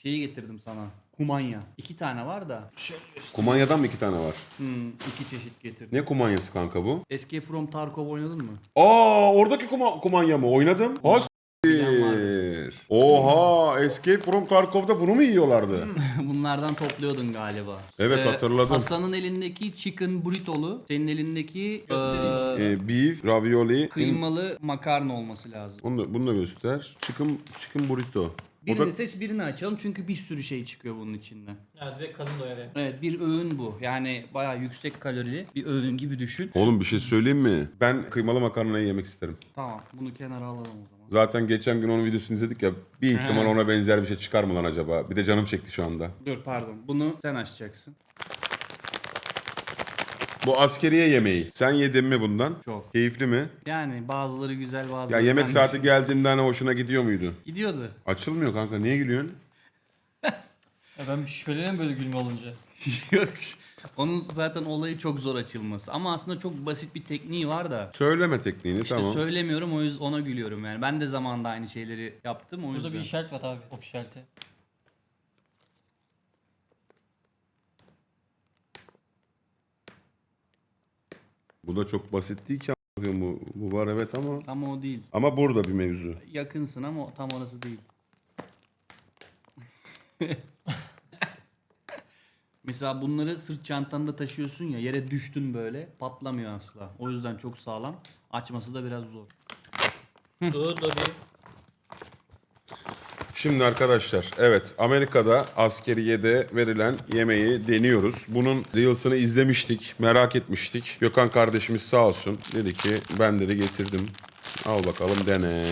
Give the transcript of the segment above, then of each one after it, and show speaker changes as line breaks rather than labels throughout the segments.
Şeyi getirdim sana. Kumanya. 2 tane var da.
Kumanyadan mı 2 tane var?
2 çeşit getirdim.
Ne kumanyası kanka bu?
Escape from Tarkov oynadın mı?
Aa, oradaki kumanya mı? Oynadım.
bilen vardır.
Hastir. Oha, Escape from Tarkov'da bunu mu yiyorlardı?
Bunlardan topluyordun galiba.
Evet, hatırladım.
Hasan'ın elindeki chicken burritolu, senin elindeki
Beef, ravioli.
kıymalı makarna olması lazım.
Bunu da göster. Chicken burrito. O
Birini
da
seç, birini açalım çünkü bir sürü şey çıkıyor bunun içinden.
Ya direkt kadın doyar yani.
Evet, bir öğün bu. Yani bayağı yüksek kalorili bir öğün gibi düşün.
Oğlum, bir şey söyleyeyim mi? Ben kıymalı makarnayı yemek isterim.
Tamam, bunu kenara alalım o zaman.
Zaten geçen gün onun videosunu izledik ya. Bir ihtimal ona benzer bir şey çıkar mı lan acaba? Bir de canım çekti şu anda.
Dur pardon, bunu sen açacaksın.
Bu askeriye yemeği. Sen yedin mi bundan?
Çok.
Keyifli mi?
Yani bazıları güzel,
Ya
bazıları...
yemek
ben
saati geldiğinde hani hoşuna gidiyor muydu?
Gidiyordu.
Açılmıyor kanka. Niye gülüyorsun?
Ya ben şüpheleniyorum böyle gülme olunca.
Yok. Onun zaten olayı çok zor açılması. Ama aslında çok basit bir tekniği var da.
Söyleme tekniğini,
İşte
tamam.
söylemiyorum, o yüzden ona gülüyorum yani. Ben de zamanında aynı şeyleri yaptım o
Burada
yüzden.
bir işaret var abi. Ok işareti.
Bu da çok basit değil ki. Bu var evet ama.
Ama o değil.
Ama burada bir mevzu.
Yakınsın ama tam orası değil. Mesela bunları sırt çantanda taşıyorsun ya, yere düştün böyle patlamıyor asla. O yüzden çok sağlam. Açması da biraz zor.
Dur bir.
Şimdi arkadaşlar, evet, Amerika'da askeriyede verilen yemeği deniyoruz. Bunun Reels'ını izlemiştik, merak etmiştik. Gökhan kardeşimiz sağ olsun dedi ki ben dedi getirdim. Al bakalım dene.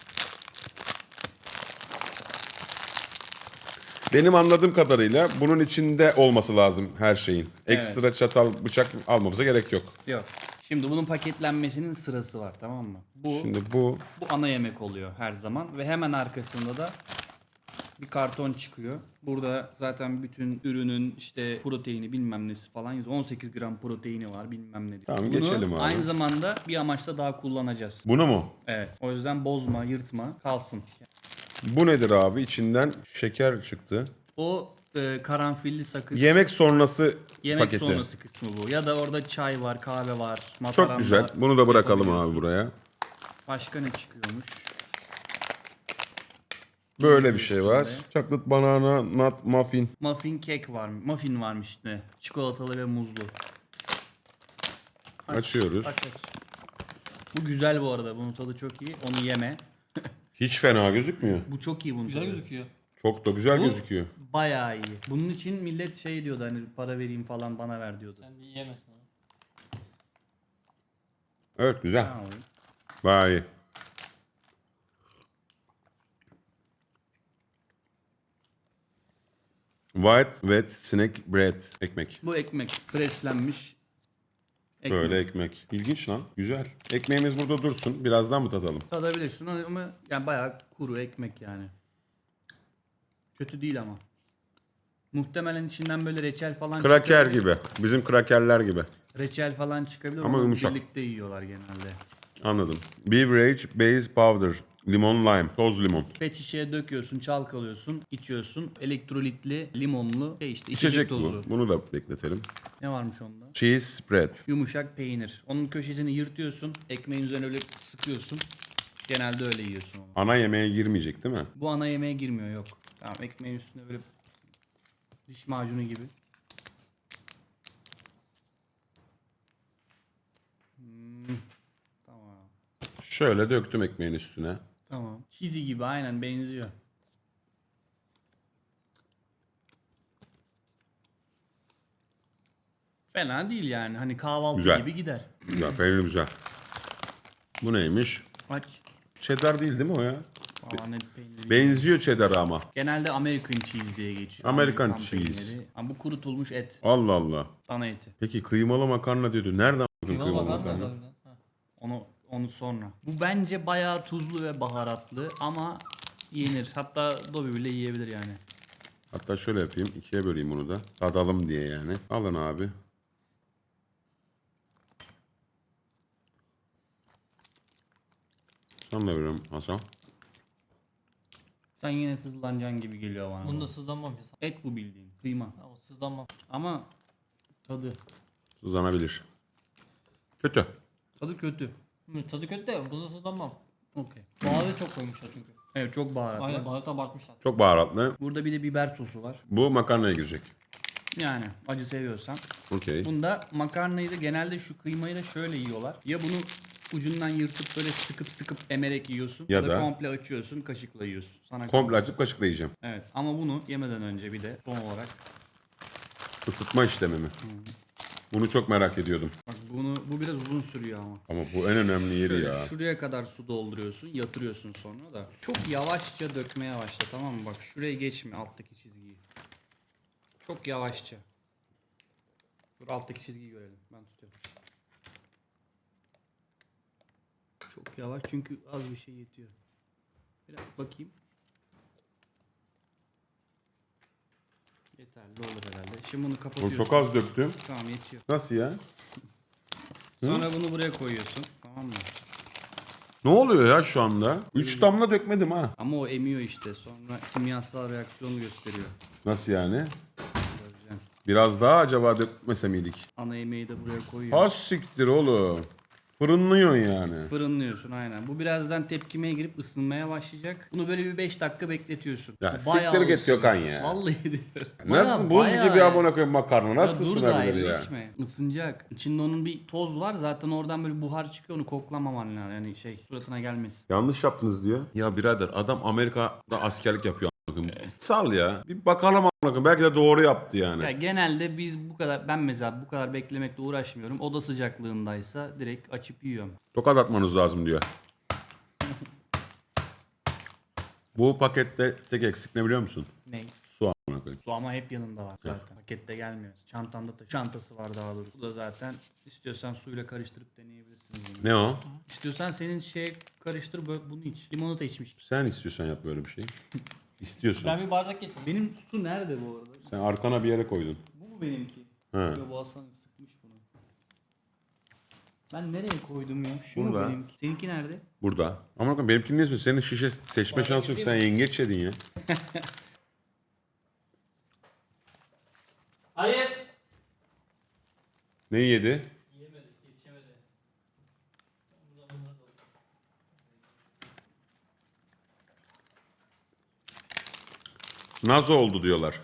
Benim anladığım kadarıyla bunun içinde olması lazım her şeyin. Ekstra çatal, bıçak almamıza gerek yok.
Yok. Şimdi bunun paketlenmesinin sırası var, tamam mı?
Şimdi bu
Bu ana yemek oluyor her zaman ve hemen arkasında da bir karton çıkıyor. Burada zaten bütün ürünün işte proteini bilmem nesi falan yazıyor. 18 gram proteini var bilmem ne diyor.
Tamam,
Bunu
geçelim abi.
aynı zamanda bir amaçla daha kullanacağız.
bunu mu?
Evet. O yüzden bozma, yırtma, kalsın.
Bu nedir abi? İçinden şeker çıktı.
O karanfilli sakız.
Yemek sonrası
Yemek
paketi.
sonrası kısmı bu. Ya da orada çay var, kahve var, mataram
Çok güzel.
var.
Bunu da bırakalım abi
Yapabiliyorsun.
buraya.
Başka ne çıkıyormuş?
Böyle bir şey var.
Üstünde.
Chocolate banana nut muffin.
Muffin kek var. Muffin varmış işte. Çikolatalı ve muzlu.
Açıyoruz.
Aç. Bu güzel bu arada. Bunun tadı çok iyi. Onu yeme.
Hiç fena gözükmüyor.
Bu çok iyi bunun
Güzel
tadı.
gözüküyor.
Çok da güzel
Bu
gözüküyor.
bayağı iyi. Bunun için millet şey diyordu, hani para vereyim falan bana ver diyordu.
Sen de yiyemezsin onu.
Evet, güzel.
Ha, oğlum.
Bayağı iyi. White wet snack bread. Ekmek.
Bu ekmek preslenmiş. Ekmek.
Böyle ekmek. İlginç lan. Güzel. Ekmeğimiz burada dursun. Birazdan mı tadalım?
Tadabilirsin ama yani bayağı kuru ekmek yani. Kötü değil ama. Muhtemelen içinden böyle reçel falan
Kraker
çıkabilir.
gibi. Bizim krakerler gibi.
Reçel falan çıkabilir
Ama
ama
yumuşak.
birlikte yiyorlar genelde.
Anladım. Beverage base powder. Limon lime. Toz limon.
Pet şişeye döküyorsun, çalkalıyorsun, içiyorsun. Elektrolitli, limonlu işte
İçecek
tozu.
bu. Bunu da bekletelim.
Ne varmış onda?
Cheese spread.
Yumuşak peynir. Onun köşesini yırtıyorsun, ekmeğin üzerine öyle sıkıyorsun. Genelde öyle yiyorsun onu.
Ana yemeğe girmeyecek değil mi?
Bu ana yemeğe girmiyor, yok. Tamam, ekmeğin üstüne böyle diş macunu gibi. Tamam.
Şöyle döktüm ekmeğin üstüne.
Tamam. Cheesy gibi aynen benziyor. Fena değil yani. Hani kahvaltı
Güzel.
gibi gider.
Güzel, peynir güzel. Bu neymiş?
Aç.
Cheddar değil mi o ya?
Aa, net peyniri.
Benziyor cheddar'a ama.
Genelde American cheese diye geçiyor.
American
Amerikan
cheese.
peyniri. Ama bu kurutulmuş et.
Allah Allah.
Dana eti.
Peki kıymalı makarna diyordu. Nereden aldın
Kıymalı
kıymalı
makarna
makarna?
da harbiden. Ha.
Onu sonra. Bu bence bayağı tuzlu ve baharatlı ama yenir. Hatta Dobby bile yiyebilir yani.
Hatta şöyle yapayım. İkiye böleyim bunu da. Tadalım diye yani. Alın abi. Sana da veriyorum Hasan.
Sen yine sızlanacaksın gibi geliyor bana.
Bunda sızlanmam ya.
Et bu bildiğin. Kıyma.
Ama sızlanmam.
Ama tadı.
Uzanabilir. Kötü.
Tadı kötü.
Tadı kötü de bunda sızlanmam.
Okey.
Baharatı çok koymuşlar çünkü.
Evet çok baharatlı.
Aynen baharatı abartmışlar.
Çok baharatlı.
Burada bir de biber sosu var.
Bu makarnaya girecek.
Yani acı seviyorsan.
Okey.
Bunda makarnayı da genelde şu kıymayı da şöyle yiyorlar. Ya bunu ucundan yırtıp böyle sıkıp emerek yiyorsun.
Ya
Ya da
da
komple açıyorsun, kaşıkla yiyorsun. Sana
Komple açıp kaşıkla yiyeceğim.
Evet ama bunu yemeden önce bir de son olarak
Isıtma işlemi mi? Bunu çok merak ediyordum.
bak bu biraz uzun sürüyor ama.
Ama bu en önemli yeri
Şöyle
ya.
şuraya kadar su dolduruyorsun, yatırıyorsun sonra da. Çok yavaşça dökmeye başla, tamam mı? Bak şuraya geçme alttaki çizgiyi. Çok yavaşça. Dur alttaki çizgiyi görelim. Ben tutuyorum. Çok yavaş çünkü az bir şey yetiyor. Biraz bakayım. Yeterli olur herhalde. Şimdi bunu
Oğlum
kapatıyorsun.
çok az döktüm.
Tamam yetiyor.
Nasıl ya?
Sonra bunu buraya koyuyorsun. Tamam mı?
Ne oluyor ya şu anda? 3 damla dökmedim ha.
Ama o emiyor işte. Sonra kimyasal reaksiyonu gösteriyor.
Nasıl yani?
Göreceğim.
Biraz daha acaba dökmese miydik?
Ana yemeği de buraya koyuyor.
Az siktir oğlum. Fırınlıyorsun yani.
Fırınlıyorsun aynen. Bu birazdan tepkimeye girip ısınmaya başlayacak. Bunu böyle bir 5 dakika bekletiyorsun.
Ya
Bu bayağı
siktir git
ısınıyor.
Gökhan ya.
Vallahi diyorum.
Nasıl buz
Bayağı
gibi
ya.
amına koyayım makarna? Nasıl
Ya dur daha
ısınabilir ya?
geçme. Isınacak. İçinde onun bir toz var. Zaten oradan böyle buhar çıkıyor. Onu koklamaman lazım. Yani suratına gelmesin.
Yanlış yaptınız diyor. Ya birader adam Amerika'da askerlik yapıyor. amına koyayım. Sal ya. Bir bakalım amına koyayım. Belki de doğru yaptı yani.
Ya genelde biz ben mesela bu kadar beklemekle uğraşmıyorum. Oda sıcaklığındaysa direkt açıp yiyorum.
Tokat atmanız lazım diyor. Bu pakette tek eksik ne biliyor musun?
Ne?
Su amına koyayım.
Su ama hep yanında var zaten. Pakette gelmiyor. Çantanda da çantası var daha doğrusu. Bu da zaten istiyorsan suyla karıştırıp deneyebilirsin. Bunu.
Ne o?
İstiyorsan senin karıştır bunu iç. Limonata içmiş.
Sen istiyorsan yap böyle bir şey. İstiyorsun.
Ben bir bardak getireyim.
Benim su nerede bu arada?
Sen arkana bir yere koydun.
Bu mu benimki?
He.
Yo, bu Hasan sıkmış bunu. Ben nereye koydum ya? Şu mu
Burada.
benimki? Seninki nerede?
Burada. Ama bakın benimkini ne istiyorsun? Senin şişe seçme şansı yok. Sen yengeç yedin ya.
Hayır.
Ne yedi?
Yiyemedi, yetişemedi.
Naz oldu diyorlar.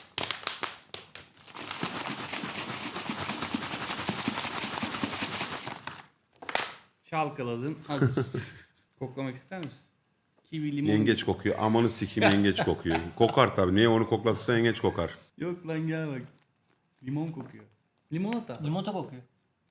Çalkaladın. Hazır. Koklamak ister misin? Kivi limon.
Yengeç kokuyor. Amanı sikeyim yengeç kokuyor. Kokar tabii. Niye onu koklatırsan yengeç kokar.
Yok lan gel bak. Limon kokuyor. Limonata.
Limonata kokuyor.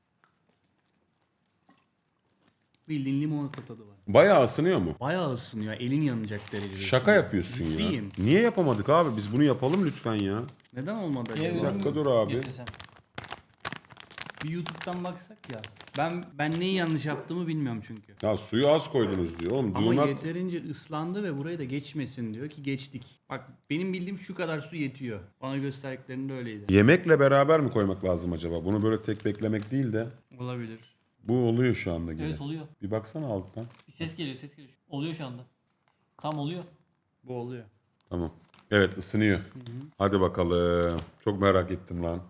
Bildiğin limonata tadı var.
Bayağı ısınıyor mu?
Bayağı ısınıyor. Elin yanacak derecede.
Şaka
ısınıyor.
yapıyorsun ya.
Ciddiyim.
Niye yapamadık abi? Biz bunu yapalım lütfen ya.
Neden olmadı
Diğer
acaba?
Bir dakika dur abi.
getirsem.
Bir YouTube'dan baksak ya. Ben neyi yanlış yaptığımı bilmiyorum çünkü.
Ya suyu az koydunuz diyor. Oğlum
Ama
do not...
yeterince ıslandı ve buraya da geçmesin diyor ki geçtik. Bak benim bildiğim şu kadar su yetiyor. Bana gösterdiklerinde öyleydi.
Yemekle beraber mi koymak lazım acaba? Bunu böyle tek beklemek değil de.
Olabilir.
Bu oluyor şu anda gibi.
Evet oluyor.
Bir baksana alttan.
Bir ses geliyor, ses geliyor. Oluyor şu anda. Tam oluyor.
Bu oluyor.
Tamam. Evet ısınıyor. Hadi bakalım. Çok merak ettim lan.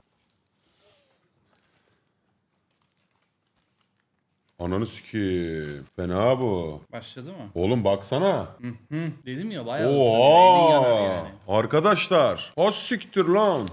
Ananı sikeyim. Fena bu.
Başladı mı?
Oğlum baksana.
Hı. Dedim ya bayağı ısınıyor. Elin yanar
Oha!
yani.
Arkadaşlar. Az siktir lan.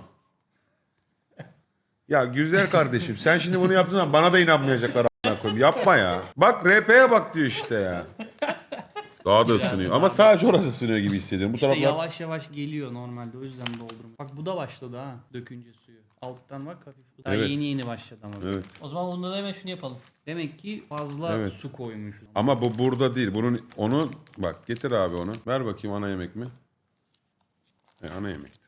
Ya güzel kardeşim sen şimdi bunu yaptığın zaman bana da inanmayacaklar a**ına koyayım. Yapma ya. Bak RP'ye bak diyor işte ya. Daha da ısınıyor. Ama sadece orası ısınıyor gibi hissediyorum. Bu
İşte
taraflar...
yavaş yavaş geliyor normalde o yüzden doldurma. Bak bu da başladı ha dökünce suyu. Alttan bak hafif. Daha
Evet.
yeni başladı ama.
Evet.
O zaman bunda da hemen şunu yapalım.
Demek ki fazla
Evet.
su koymuş.
Ama bu burada değil. Onu bak getir abi onu. Ver bakayım ana yemek mi? Ana yemektir.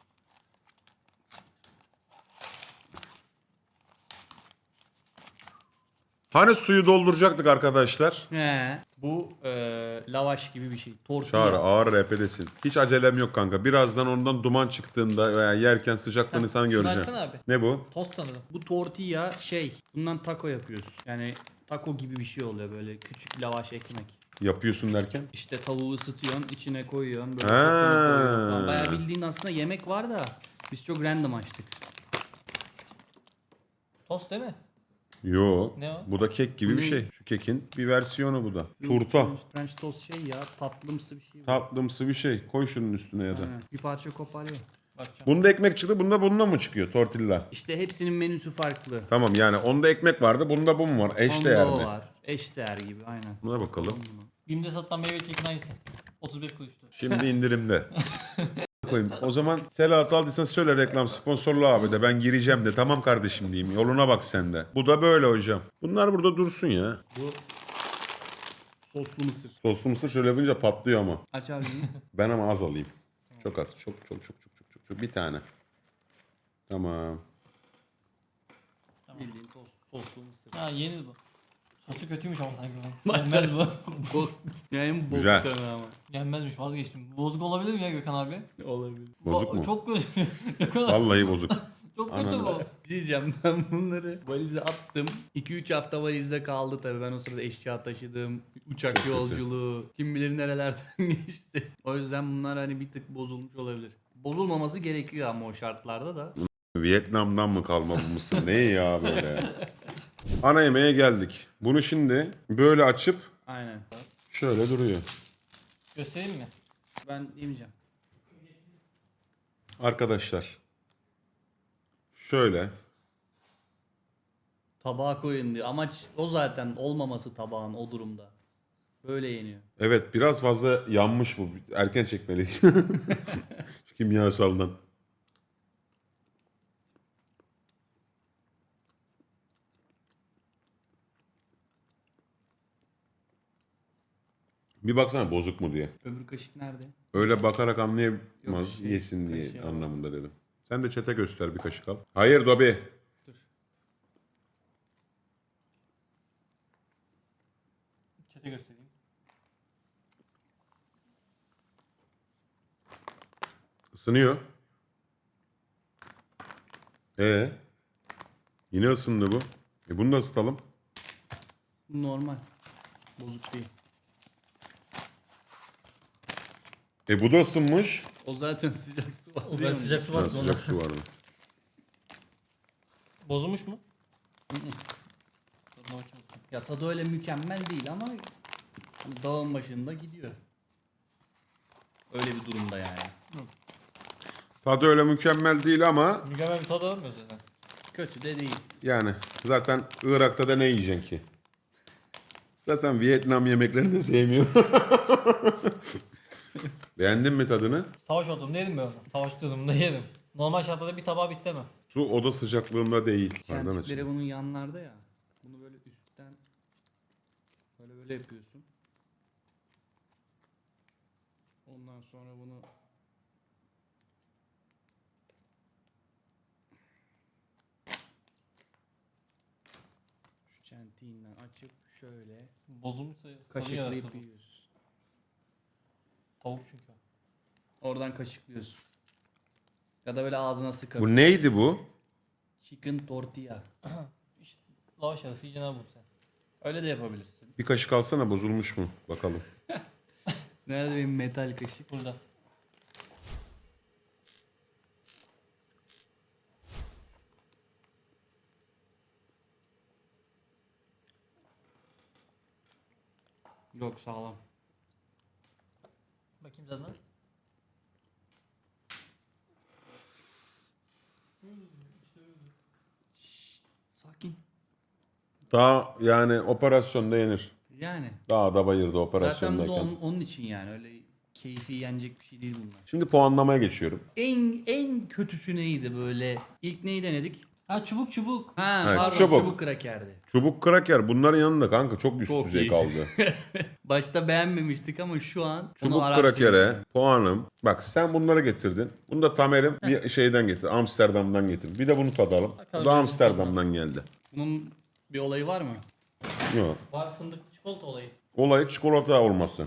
Hani suyu dolduracaktık arkadaşlar?
He. Bu lavaş gibi bir şey. Tortilla.
Çağrı ağır RP'desin. Hiç acelem yok kanka. Birazdan ondan duman çıktığında veya yerken sıcaklığını sen
Şunu
göreceksin.
açsana abi.
Ne bu?
Tost sanırım.
Bu tortilla bundan taco yapıyoruz. Yani taco gibi bir şey oluyor böyle küçük lavaş ekmek.
Yapıyorsun derken?
İşte tavuğu ısıtıyorsun, içine koyuyorsun, böyle
Ha.
sosunu koyuyorsun falan. Bayağı bildiğin aslında yemek var da biz çok random açtık.
Tost değil mi?
Yo.
Ne o?
Bu da kek gibi
Bu
bir
ne?
şey. Şu kekin bir versiyonu bu da. Turta.
French toast şey ya, tatlımsı bir şey. bu.
Tatlımsı bir şey. Koy şunun üstüne ya da.
Aynen. Bir parça kopar ye.
Bakacağım.
Bunda ekmek çıktı. Bunda bununla mı çıkıyor? Tortilla.
İşte hepsinin menüsü farklı.
Tamam yani onda ekmek vardı. Bunda bu mu var? Eşdeğer
Onda o
mi?
var. Eşdeğer gibi aynen.
Buna bakalım.
BİM'de satılan meyve kekin aynısı. 35 kuruştu.
Şimdi indirimde. Koyayım. O zaman Selahat aldıysan söyle reklam sponsorlu abi de ben gireceğim de tamam kardeşim diyeyim. Yoluna bak sen de. Bu da böyle hocam. Bunlar burada dursun ya.
Bu soslu mısır.
Soslu mısır şöyle yapınca patlıyor ama.
Aç abi bunu.
Ben ama az alayım. Çok az. Çok. Bir tane. Tamam.
Bildiğin soslu mısır.
Ha yeni bu. Sosu kötüymüş ama sanki bu. Yenmez bu.
Yani bozuk
Güzel.
tabii ama.
Yenmezmiş vazgeçtim. Bozuk olabilir mi ya Gökhan abi?
Olabilir.
Bozuk mu?
Çok kötü. Gökhan abi
Vallahi bozuk.
çok kötü
Ananı
bu.
Bir şey diyeceğim, ben bunları valize attım. 2-3 hafta valizde kaldı tabii. Ben o sırada eşya taşıdım. Uçak
Çok kötü.
yolculuğu. Kim bilir nerelerden geçti. O yüzden bunlar hani bir tık bozulmuş olabilir. Bozulmaması gerekiyor ama o şartlarda da.
Vietnam'dan mı kalma bu mısır? Ne ya böyle? Ana yemeğe geldik. Bunu şimdi böyle açıp
Aynen.
şöyle duruyor.
Göstereyim mi?
Ben yemeyeceğim.
Arkadaşlar. Şöyle.
Tabağa koyun diyor. Amaç o zaten, olmaması tabağın o durumda. Böyle yeniyor.
Evet biraz fazla yanmış bu. Erken çekmeliyim. Şu kimyasaldan. Bir baksana bozuk mu diye.
Öbür kaşık nerede?
Öyle bakarak anlayamaz
Yok, şey,
yesin diye
kaşığı al.
anlamında dedim. Sen de çete göster bir kaşık al. Hayır Dobi.
Çete göstereyim.
Isınıyor. Yine ısındı bu. Bunu da ısıtalım.
Bu normal. Bozuk değil.
Bu da ısınmış.
O zaten sıcak su var.
O ben sıcak su var.
Ha, sıcak su vardı.
Bozulmuş mu? Tadına bakayım.
Ya tadı öyle mükemmel değil ama hani dağın başında gidiyor. Öyle bir durumda yani.
Tadı öyle mükemmel değil ama
Mükemmel bir tadı alamıyoruz zaten.
Kötü de değil.
yani zaten Irak'ta da ne yiyeceksin ki? Zaten Vietnam yemeklerini de sevmiyorum. Beğendin mi tadını?
Savaş ortamında yedim ben onu. Savaş durumunda yedim. Normal şartlarda bir tabağı bitiremem.
Su oda sıcaklığında değil. Pardon
Kentikleri
açayım.
bunun yanlarda ya. Bunu böyle üstten böyle yapıyorsun. Ondan sonra bunu şu çentiğinden açıp şöyle
Bozulmuşsa sarı
kaşıklayıp
yaratır bu.
yiyorsun.
Tavuk çünkü.
Oradan kaşıklıyorsun. Ya da böyle ağzına sıkar.
Bu neydi bu?
Chicken tortilla.
İşte lavaş arası yiyeceksin abi bunu sen.
Öyle de yapabilirsin.
Bir kaşık alsana bozulmuş mu? Bakalım.
Nerede benim metal kaşık?
Burada.
Yok, sağlam.
Bakayım tadına.
Sakin.
Daha yani operasyonda yenir.
Yani.
Daha da bayırdı
Zaten bu da
operasyondayken.
onun için yani. Öyle keyfi yenecek bir şey değil bunlar.
Şimdi puanlamaya geçiyorum.
En kötüsü neydi böyle? İlk neyi denedik?
Ha çubuk çubuk.
Ha
Evet,
pardon,
çubuk.
çubuk krakerdi.
Çubuk kraker bunların yanında kanka çok üst
Çok
düzey
iyi.
kaldı.
Başta beğenmemiştik ama şu an onu
Çubuk
ararsın
krakere
yani.
puanım. Bak sen bunları getirdin. Bunu da Tamer'im bir şeyden getir. Amsterdam'dan getir. Bir de bunu tadalım. Bu
Bakalım
da
benim
Amsterdam'dan geldi.
Bunun bir olayı var mı?
Yok.
Var fındıklı çikolata olayı.
Olay çikolata olması.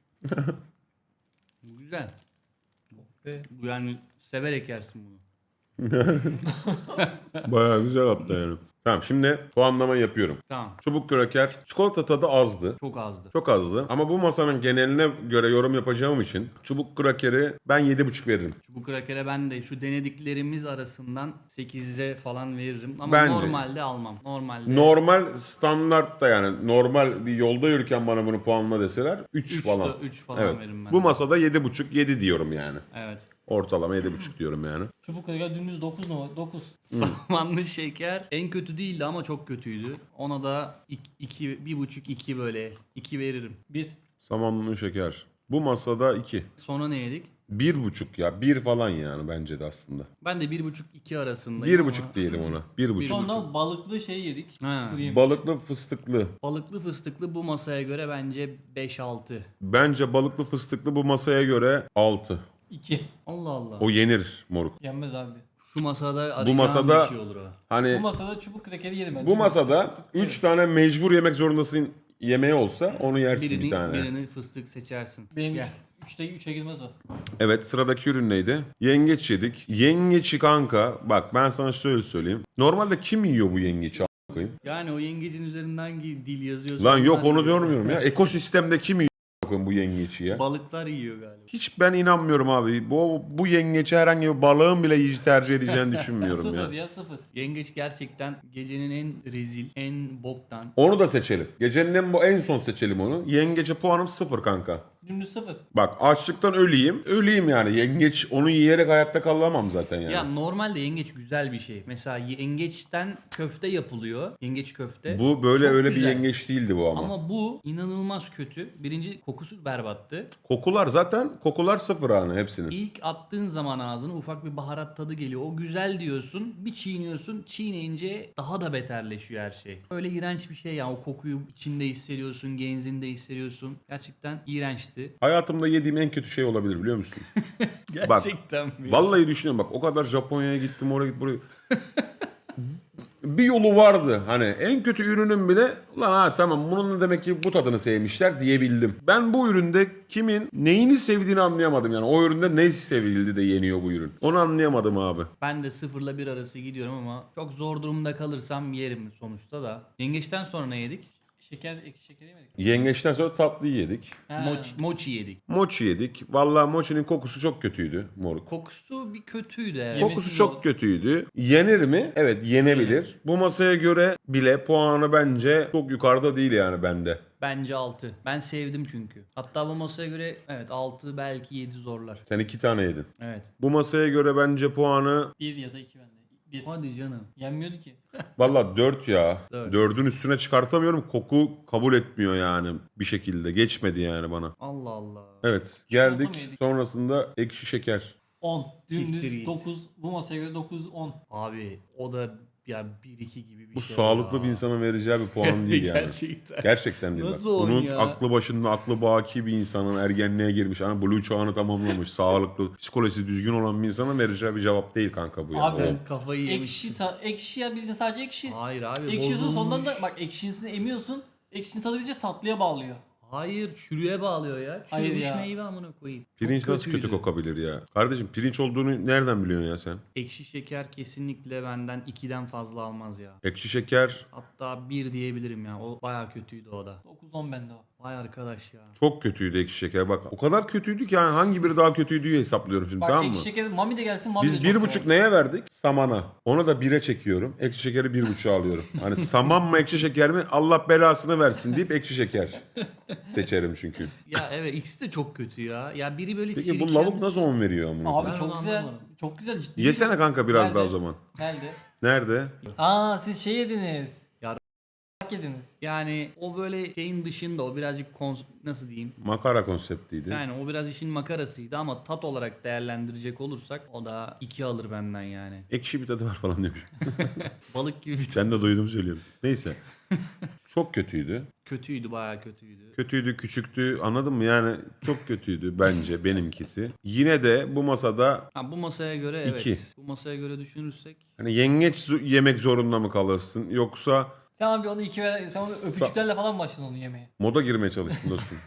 Bu güzel.
Ve
Bu yani severek yersin bunu.
Bayağı güzel hatta yani. Tamam şimdi puanlama yapıyorum.
Tamam.
Çubuk kraker çikolata tadı azdı.
Çok azdı.
Çok azdı. Ama bu masanın geneline göre yorum yapacağım için çubuk krakeri ben 7,5 veririm.
Çubuk krakere ben de şu denediklerimiz arasından 8'e falan veririm. Ama
Ben de.
normalde almam. Normalde
Normal standartta yani normal bir yolda yürürken bana bunu puanla deseler 3 falan.
3 falan
Evet.
veririm ben.
Bu masada 7,5 7 diyorum yani.
Evet.
Ortalama 7,5 diyorum yani.
Çubuk kraker dümdüz 9 numara. 9.
Samanlı şeker en kötü değildi ama çok kötüydü. Ona da 1,5-2 böyle 2 veririm.
1.
Samanlı şeker. Bu masada 2.
Sonra ne yedik?
1,5 ya. 1 falan yani bence de aslında.
Ben de 1,5-2 arasındayım
1,5 diyelim ona. 1,5.
Sonra balıklı şey yedik.
Ha.
Kuru yemiş.
Balıklı fıstıklı.
Balıklı fıstıklı bu masaya göre bence 5-6.
Bence balıklı fıstıklı bu masaya göre 6.
2.
Allah Allah.
O yenir moruk.
Yenmez abi.
Şu masada arayacağım
masada-
bir şey olur o.
Hani
Bu masada çubuk krakeri yedim ben.
bu masada 3 tane mecbur yemek zorundasın yemeği olsa onu yersin bir tane.
Birini fıstık seçersin.
Benim
Gel.
3'e girmez o.
Evet sıradaki ürün neydi? Yengeç yedik. Yengeçi kanka bak ben sana şöyle söyleyeyim. Normalde kim yiyor bu yengeçi a**ına koyayım?
Yani o yengecin üzerinden hangi dil yazıyorsa.
Lan yok
onlar
onu
yiyor.
görmüyorum ya. Ekosistemde kim yiyor a**ına koyayım bu yengeçi ya?
Balıklar yiyor galiba.
Hiç ben inanmıyorum abi. Bu yengeçi herhangi bir balığın bile yiyici tercih edeceğini düşünmüyorum
0
ya.
ya 0.
Yengeç gerçekten gecenin en rezil, en boktan.
Onu da seçelim. Gecenin en son seçelim onu. Yengece puanım 0 kanka.
Dümdüz 0.
Bak açlıktan öleyim. Öleyim yani. Yengeç onu yiyerek hayatta kalamam zaten yani.
Ya normalde yengeç güzel bir şey. Mesela yengeçten köfte yapılıyor. Yengeç köfte.
Bu böyle
Çok
öyle
güzel.
bir yengeç değildi bu ama.
Ama bu inanılmaz kötü. Birinci kokusu berbattı.
Kokular 0 hani hepsinin.
İlk attığın zaman ağzına ufak bir baharat tadı geliyor. O güzel diyorsun. Bir çiğniyorsun. Çiğneyince daha da beterleşiyor her şey. Öyle iğrenç bir şey ya. O kokuyu içinde hissediyorsun. Genzinde hissediyorsun. Gerçekten iğrençti.
Hayatımda yediğim en kötü şey olabilir biliyor musun?
Gerçekten mi?
Vallahi düşünüyorum bak o kadar Japonya'ya gittim oraya gittim buraya. Bir yolu vardı hani en kötü ürünün bile ulan ha tamam bunun da demek ki bu tadını sevmişler diyebildim. Ben bu üründe kimin neyini sevdiğini anlayamadım yani o üründe ne sevildi de yeniyor bu ürün. Onu anlayamadım abi.
Ben de 0 ile 1 arası gidiyorum ama çok zor durumda kalırsam yerim sonuçta da. Yengeçten sonra ne yedik?
Ekşi şeker yemedik.
Yengeçten sonra tatlıyı yedik.
Ha.
Mochi yedik.
Mochi yedik. Vallahi mochinin kokusu çok kötüydü moruk.
Kokusu bir kötüydü evet.
Yemesi
Kokusu
mi
çok
o?
kötüydü. Yenir mi? Evet yenebilir. Bu masaya göre bile puanı bence çok yukarıda değil yani bende.
Bence 6. Ben sevdim çünkü. Hatta bu masaya göre evet 6 belki 7 zorlar.
Sen 2 tane yedin.
Evet.
Bu masaya göre bence puanı
1 ya da 2 bende. 1.
Hadi canım.
Yenmiyordu ki.
valla 4 ya.
Dört.
4'ün üstüne çıkartamıyorum. Koku kabul etmiyor yani bir şekilde. Geçmedi yani bana.
Allah Allah.
Evet
Çikolata
geldik.
mı yedik?
Sonrasında ekşi şeker.
10.
Siktir
Dümdüz
git.
9. Bu masaya göre 9 10.
Abi o da ya 1-2 gibi bir
Bu
şey.
sağlıklı
ya.
bir insanın vereceği bir puan değil yani.
Gerçekten.
Gerçekten değil.
Nasıl
bak.
on
Bunun
ya?
aklı başında, aklı baki bir insanın ergenliğe girmiş. Hani blue çağını tamamlamış. Sağlıklı, psikolojisi düzgün olan bir insanın vereceği bir cevap değil kanka bu ya.
Abi,
O-
Ben kafayı yemiştim.
Ekşi ya bildiğin sadece ekşi.
Hayır abi
Ekşiyorsun sondan da
bozulmuş.
bak ekşisini emiyorsun. Ekşinin tadı bilince tatlıya bağlıyor.
Hayır çürüye bağlıyor ya.
Hayır
Çürümüş
ya.
meyve amına koyayım. Çok
Pirinç nasıl kötü
kötüydü.
kokabilir ya? Kardeşim pirinç olduğunu nereden biliyorsun ya sen?
Ekşi şeker kesinlikle benden 2'den fazla almaz ya.
Ekşi şeker
Hatta 1 diyebilirim ya. O bayağı kötüydü o da.
9-10 bende o.
Vay arkadaş ya.
çok kötüydü ekşi şeker. Bak o kadar kötüydü ki yani hangi biri daha kötüydü diye hesaplıyorum şimdi
Bak
tamam mı?
ekşi şekeri Mami de gelsin Mami de
Biz
çok
1,5
sever.
neye verdik? Samana. Ona da 1'e çekiyorum. Ekşi şekeri 1,5'a alıyorum. Hani saman mı ekşi şeker mi? Allah belasını versin deyip ekşi şeker seçerim çünkü.
Ya evet ikisi de çok kötü ya. Ya biri böyle
Peki bu
sirkenli-
lavuk nasıl 10 veriyor amına?
Abi
Ben
çok
onu
güzel.
anlamadım.
Çok güzel ciddi.
Yesene kanka biraz
Nerede?
daha o zaman.
Nerede?
Nerede?
Aa siz şey yediniz.
Ya-
Yediniz.
Yani o böyle şeyin dışında o birazcık nasıl diyeyim?
Makara konseptiydi.
Yani o biraz işin makarasıydı ama tat olarak değerlendirecek olursak o da 2 alır benden yani.
Ekşi bir tadı var falan demiş.
Balık gibi bir
Sen de duydum söylüyorum. Neyse. Çok kötüydü.
kötüydü bayağı kötüydü.
Kötüydü, küçüktü. Anladın mı? Yani çok kötüydü bence benimkisi. Yine de bu masada
Ha, bu masaya göre evet.
İki.
Bu masaya göre düşünürsek
hani yengeç yemek zorunda mı kalırsın yoksa
Sen abi onu 2 ver. Sen onu öpücüklerle falan başladın onu yemeye.
moda girmeye çalıştın dostum.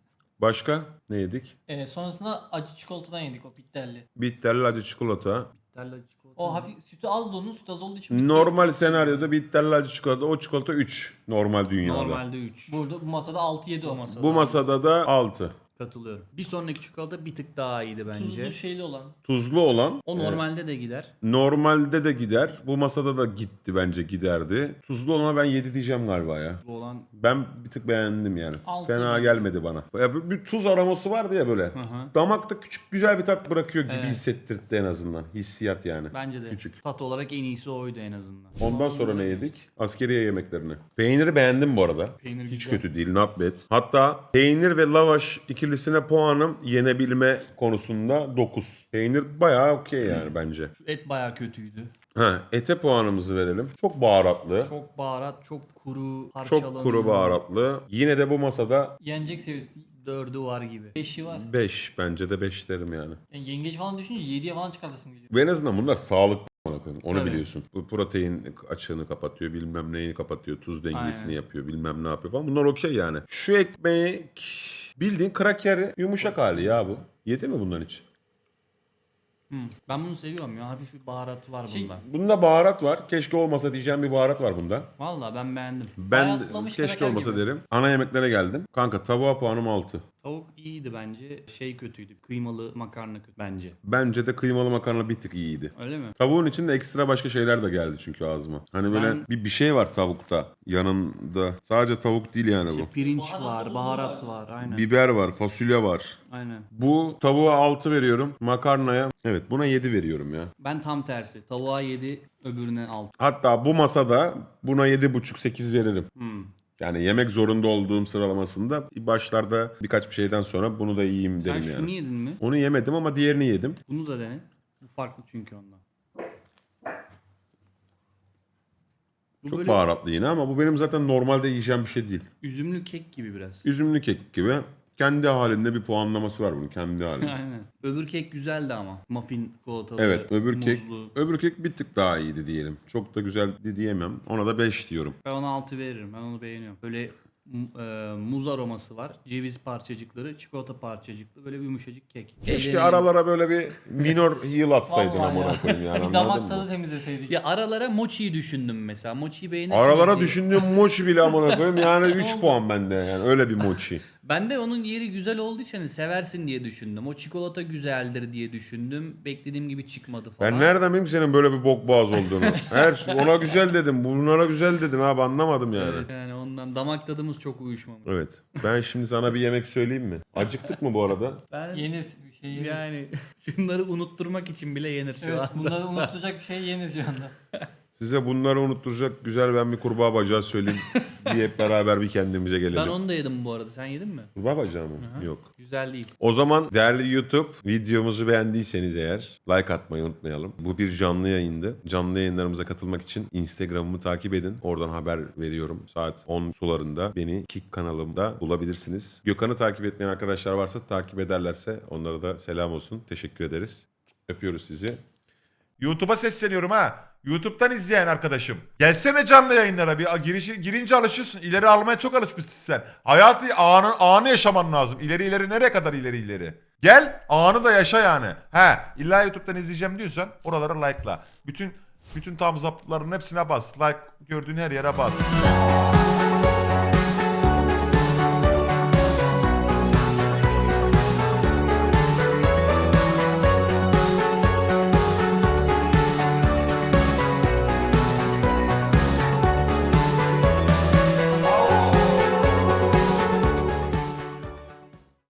Başka ne yedik?
Sonrasında acı çikolatadan yedik o bitterli.
Bitterli acı çikolata.
Bitter acı çikolata.
O hafif sütü az da onun sütü az olduğu için. bitti.
Normal senaryoda bitter acı çikolata, o çikolata 3 normal dünyada.
Normalde 3.
Burada bu masada 6-7 o.
Bu masada da 6.
Katılıyorum. Bir sonraki çikolata bir tık daha iyiydi bence.
Tuzlu şeyli olan.
Tuzlu olan
O normalde de gider.
normalde de gider. Bu masada da gitti bence giderdi. Tuzlu olana ben 7 diyeceğim galiba ya.
Bu olan
Ben bir tık beğendim yani.
Altı
Fena
mı?
gelmedi bana. Ya bir tuz aroması vardı ya böyle.
hı.
Damakta küçük güzel bir tat bırakıyor gibi
Evet.
hissettirdi en azından. Hissiyat yani.
bence de
Küçük.
tat olarak en iyisi oydu en azından.
Ondan sonra ne yedik? Askeriye yemeklerini. Peyniri beğendim bu arada.
Peynir
Hiç
güzel.
kötü değil, not bad. Hatta peynir ve lavaş ikilisine puanım yenebilme konusunda 9. Peynir bayağı okey yani bence.
Şu et bayağı kötüydü.
Ha, ete puanımızı verelim. Çok baharatlı.
Çok baharat, çok kuru, parçalanıyor.
Çok kuru baharatlı. Yine de bu masada
Yenecek seviyesi.
4'ü var gibi.
5'i var.
5 bence de 5 derim yani.
Yani yengeç falan düşününce 7'ye falan çıkartırsın geliyor.
Ve en azından bunlar sağlıklı amına koyayım. Onu
Tabii.
biliyorsun. Bu protein açığını kapatıyor, bilmem neyini kapatıyor, tuz dengesini
Aynen.
yapıyor, bilmem ne yapıyor falan. Bunlar okey yani. Şu ekmek bildiğin kraker yumuşak hali ya bu. Yedi mi bundan hiç?
Ben bunu seviyorum ya. Hafif bir baharatı var
Şey-
bunda.
Bunda baharat var. Keşke olmasa diyeceğim bir baharat var bunda.
Valla ben beğendim.
Ben
Bayatlamış
keşke
kraker
olmasa
gibi.
derim. Ana yemeklere geldim. Kanka tavuğa puanım 6.
Tavuk iyiydi bence. Şey kötüydü. Kıymalı makarna kötü bence.
Bence de kıymalı makarna bir tık iyiydi.
Öyle mi?
Tavuğun içinde ekstra başka şeyler de geldi çünkü ağzıma. Hani böyle
Ben-
bir şey var tavukta yanında. Sadece tavuk değil yani
İşte
bu.
pirinç
Baharat
var,
dolu
baharat
var.
var. Aynen.
Biber var, fasulye var.
Aynen.
Bu tavuğa 6 veriyorum. Makarnaya evet buna 7 veriyorum ya.
Ben tam tersi. Tavuğa 7, öbürüne 6.
Hatta bu masada buna 7,5-8 veririm.
Hmm.
Yani yemek zorunda olduğum sıralamasında başlarda birkaç bir şeyden sonra bunu da yiyeyim
Sen
derim
şunu
yani.
yedin mi?
Onu yemedim ama diğerini yedim.
Bunu da dene. Bu farklı çünkü ondan. Bu
Çok
böyle
baharatlı yine ama bu benim zaten normalde yiyeceğim bir şey değil.
üzümlü kek gibi biraz.
Üzümlü kek gibi. Kendi halinde bir puanlaması var bunun kendi halinde.
Aynen. Öbür kek güzeldi ama. Muffin çikolatalı,
Evet öbür kek
muzlu.
öbür kek bir tık daha iyiydi diyelim. Çok da güzeldi diyemem. Ona da 5 diyorum.
Ben ona 6 veririm. Ben onu beğeniyorum. Böyle muz aroması var. Ceviz parçacıkları, çikolata parçacıklı. Böyle yumuşacık kek.
Keşke
Ellerini-
aralara böyle bir minor heal atsaydın
Vallahi
amına
ya.
koyayım yani
Bir
anladın
damak
mı?
tadı temizleseydik.
Ya aralara mochi'yi düşündüm mesela. Mochi'yi beğenirsiniz
Aralara
diye.
düşündüğüm mochi bile amına koyayım yani 3 puan bende yani öyle bir mochi.
Ben de onun yeri güzel olduğu için hani seversin diye düşündüm. O çikolata güzeldir diye düşündüm. Beklediğim gibi çıkmadı falan.
Ben nereden bileyim senin böyle bir bok boğaz olduğunu. Her şey ona güzel dedim, bunlara güzel dedin abi anlamadım yani.
Evet, yani ondan damak tadımız çok uyuşmamış.
Evet. Ben şimdi sana bir yemek söyleyeyim mi? Acıktık mı bu arada?
Ben
Yenir bir şey yenir.
yani şunları unutturmak için bile yenir şu
Evet,
anda.
bunları unutacak bir şey yenir şu anda.
Size bunları unutturacak güzel ben bir kurbağa bacağı söyleyeyim diye hep beraber bir kendimize gelelim.
Ben onu da yedim bu arada. Sen yedin mi?
Kurbağa bacağı mı? Yok.
Güzel değil.
O zaman değerli YouTube videomuzu beğendiyseniz eğer like atmayı unutmayalım. Bu bir canlı yayındı. Canlı yayınlarımıza katılmak için Instagram'ımı takip edin. Oradan haber veriyorum. Saat 10 sularında beni Kick kanalımda bulabilirsiniz. Gökhan'ı takip etmeyen arkadaşlar varsa takip ederlerse onlara da selam olsun. Teşekkür ederiz. Öpüyoruz sizi.
YouTube'a sesleniyorum ha. YouTube'dan izleyen arkadaşım. Gelsene canlı yayınlara bir girince alışıyorsun. İleri almaya çok alışmışsın sen. Hayatı anı yaşaman lazım. İleri nereye kadar ileri. Gel anı da yaşa yani. İlla YouTube'dan izleyeceğim diyorsan oralara like'la. Bütün thumbs up'ların hepsine bas. Like gördüğün her yere bas.